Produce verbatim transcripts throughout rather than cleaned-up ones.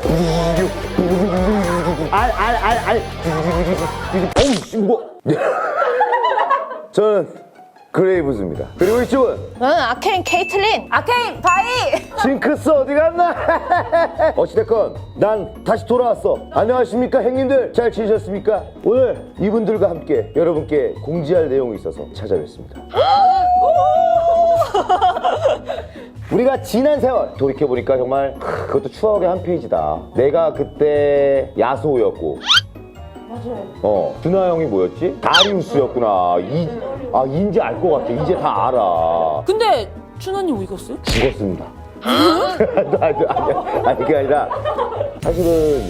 알알알알 어우 씨 뭐. 저는 그레이브즈입니다. 그리고 이쪽은 저는 아케인 케이틀린. 아케인 바이. 징크스 어디 갔나? 어찌됐건 난 다시 돌아왔어. 안녕하십니까 형님들, 잘 지내셨습니까? 오늘 이분들과 함께 여러분께 공지할 내용이 있어서 찾아뵙습니다. 우리가 지난 세월 돌이켜보니까 정말 그것도 추억의 한 페이지다. 내가 그때 야소였고 맞아요. 어, 준하 형이 뭐였지? 다리우스였구나. 이, 아, 인지 알 것 같아. 이제 다 알아. 근데 준하님 어디 갔어요? 죽었습니다. 아니, 아니, 아니, 아니, 그게 아니라 사실은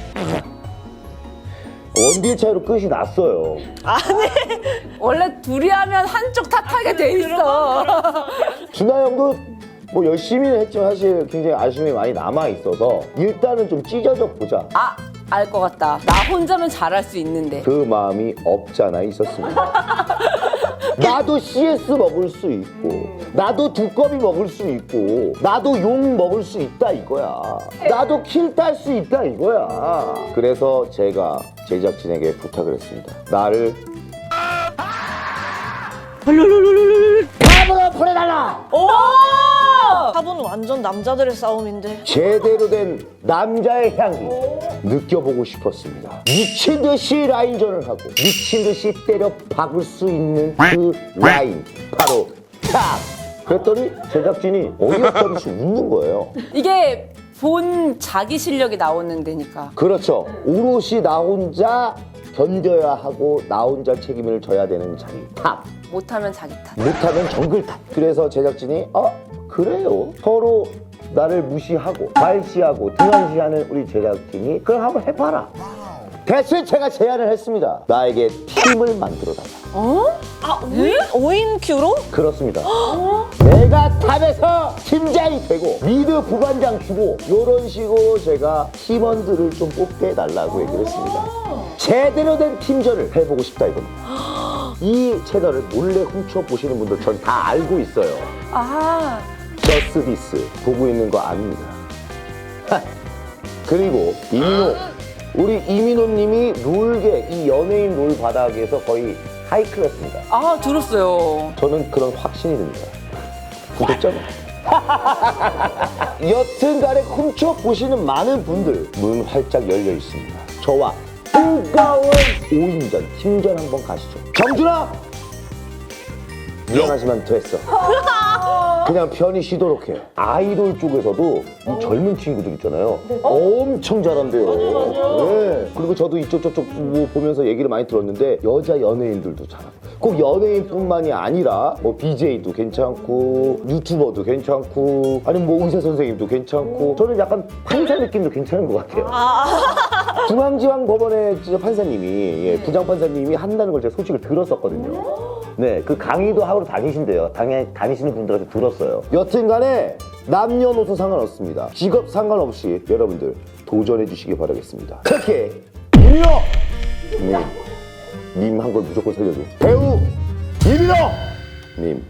원딜 차이로 끝이 났어요. 원래 둘이 하면 한쪽 탓하게 돼 있어. 준하 형도 뭐 열심히는 했지만 사실 굉장히 아쉬움이 많이 남아있어서 일단은 좀 찢어져 보자. 아, 알 것 같다. 나 혼자면 잘할 수 있는데. 그 마음이 없잖아 있었습니다. 나도 씨에스 먹을 수 있고 나도 두꺼비 먹을 수 있고 나도 용 먹을 수 있다 이거야. 나도 킬 딸 수 있다 이거야. 그래서 제가 제작진에게 부탁을 했습니다. 나를 탑으로 보내달라. 오! 탑은 완전 남자들의 싸움인데. 제대로 된 남자의 향기 느껴보고 싶었습니다. 미친 듯이 라인전을 하고 미친 듯이 때려 박을 수 있는 그 라인 바로 탑. 그랬더니 제작진이 어이없다듯이 웃는 거예요. 이게 본 자기 실력이 나오는 데니까. 그렇죠. 오롯이 나 혼자 견뎌야 하고 나 혼자 책임을 져야 되는 자리 탑. 못하면 자기 탓. 못하면 정글 탑. 그래서 제작진이 어 그래요. 서로 나를 무시하고 발시하고 등한시하는 우리 제작진이 그럼 한번 해봐라. 대신 제가 제안을 했습니다. 나에게 팀을 만들어달라. 어? 아, 오 인 큐로? 그렇습니다. 내가 탑에서 팀장이 되고 미드 부반장 주고 이런 식으로 제가 팀원들을 좀 뽑게 해달라고 얘기를 했습니다. 제대로 된 팀전을 해보고 싶다 이겁니다. 이 채널을 몰래 훔쳐보시는 분들 전 다 알고 있어요. 아, 저스트 디스 보고 있는 거 아닙니다. 하. 그리고 이민호, 우리 이민호님이 롤계 이 연예인 롤 바닥에서 거의 하이클래스입니다. 아 들었어요. 저는 그런 확신이 듭니다. 구독자는. 여튼간에 훔쳐보시는 많은 분들 문 활짝 열려 있습니다. 저와 뜨거운 오 인전 팀전 한번 가시죠. 정준아! 미안하지만 됐어. 그냥 편히 쉬도록 해요. 아이돌 쪽에서도 이 젊은 친구들 있잖아요. 엄청 잘한대요. 네. 그리고 저도 이쪽 저쪽 뭐 보면서 얘기를 많이 들었는데 여자 연예인들도 잘하고 꼭 연예인뿐만이 아니라 뭐 비제이도 괜찮고 유튜버도 괜찮고 아니면 뭐 의사 선생님도 괜찮고 저는 약간 판사 느낌도 괜찮은 것 같아요. 중앙지방 법원의 진짜 판사님이 예, 부장 판사님이 한다는 걸 제가 소식을 들었었거든요. 네, 그 강의도 하러 다니신대요. 다니, 다니시는 분들한테 들었어요. 여튼간에 남녀노소 상관없습니다. 직업 상관없이 여러분들 도전해 주시기 바라겠습니다. 특히 이민호 님, 님 한 걸 무조건 살려줘. 배우 이민호 님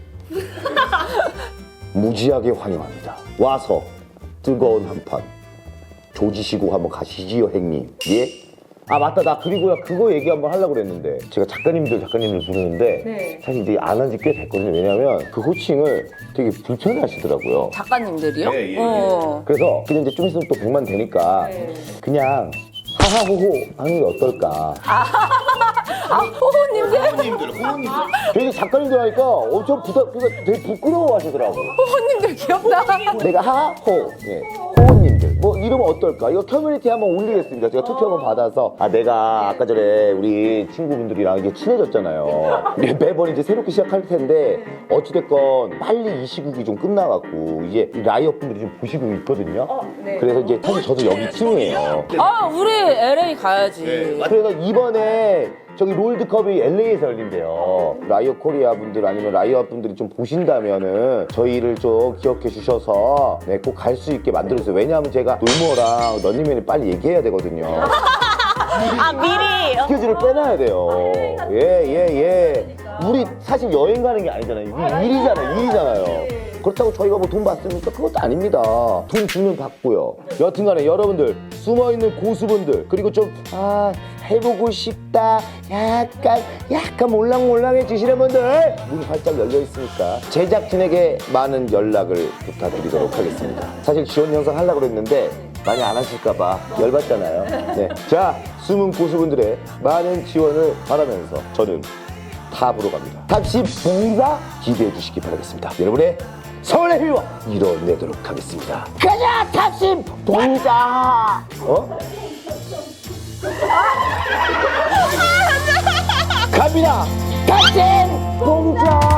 무지하게 환영합니다. 와서 뜨거운 한판 조지시고 한번 가시지요 형님. 예? 아 맞다, 나 그리고요 그거 얘기 한번 하려고 그랬는데 제가 작가님들 작가님들 부르는데 네. 사실 이제 안 한 지 꽤 됐거든요. 왜냐면 그 호칭을 되게 불편해 하시더라고요. 작가님들이요? 예, 예, 예. 어. 그래서 그냥 이제 좀 있으면 또 백만 되니까 네. 그냥 하하호호 하는 게 어떨까. 아 호호님들? 되게 작가님들 하니까 엄청 부담, 그러니까 되게 부끄러워 하시더라고. 호호님들 기억나? 내가 하하호, 예. 호호님들 뭐 이러면 어떨까? 이거 커뮤니티 한번 올리겠습니다. 제가 투표 한번 받아서 아 내가 아까 전에 우리 친구분들이랑 이게 친해졌잖아요. 이제 매번 이제 새롭게 시작할 텐데 어찌됐건 빨리 이 시국이 좀 끝나갖고 이제 이 라이엇 분들이 좀 보시고 있거든요. 그래서 이제 사실 저도 여기 팀이에요. 아 우리 엘에이 가야지. 그래서 이번에 저기 롤드컵이 엘에이에서 열린대요. 라이엇 코리아 분들 아니면 라이엇 분들이 좀 보신다면은 저희를 좀 기억해 주셔서 네, 꼭 갈 수 있게 만들어주세요. 왜냐하면 제가 놀모랑 런닝맨이 빨리 얘기해야 되거든요. 아, 미리. 스케줄을 빼놔야 돼요. 예, 예, 예. 우리 사실 여행 가는 게 아니잖아요. 이게 일이잖아요. 일이잖아요. 그렇다고 저희가 뭐 돈 받습니까? 그것도 아닙니다. 돈 주면 받고요. 여튼간에 여러분들 숨어있는 고수분들 그리고 좀 아 해보고 싶다 약간 약간 몰랑몰랑해지시는 분들 문이 활짝 열려 있으니까 제작진에게 많은 연락을 부탁드리도록 하겠습니다. 사실 지원 영상 하려고 그랬는데 많이 안 하실까봐 열받잖아요. 네, 자 숨은 고수분들의 많은 지원을 바라면서 저는 탑으로 갑니다. 탑십 봉사 기대해 주시기 바라겠습니다. 여러분의 서울의 힘을 이뤄내도록 하겠습니다. 가자 탑십 봉사. 어? 갑니다. 탑십 봉사.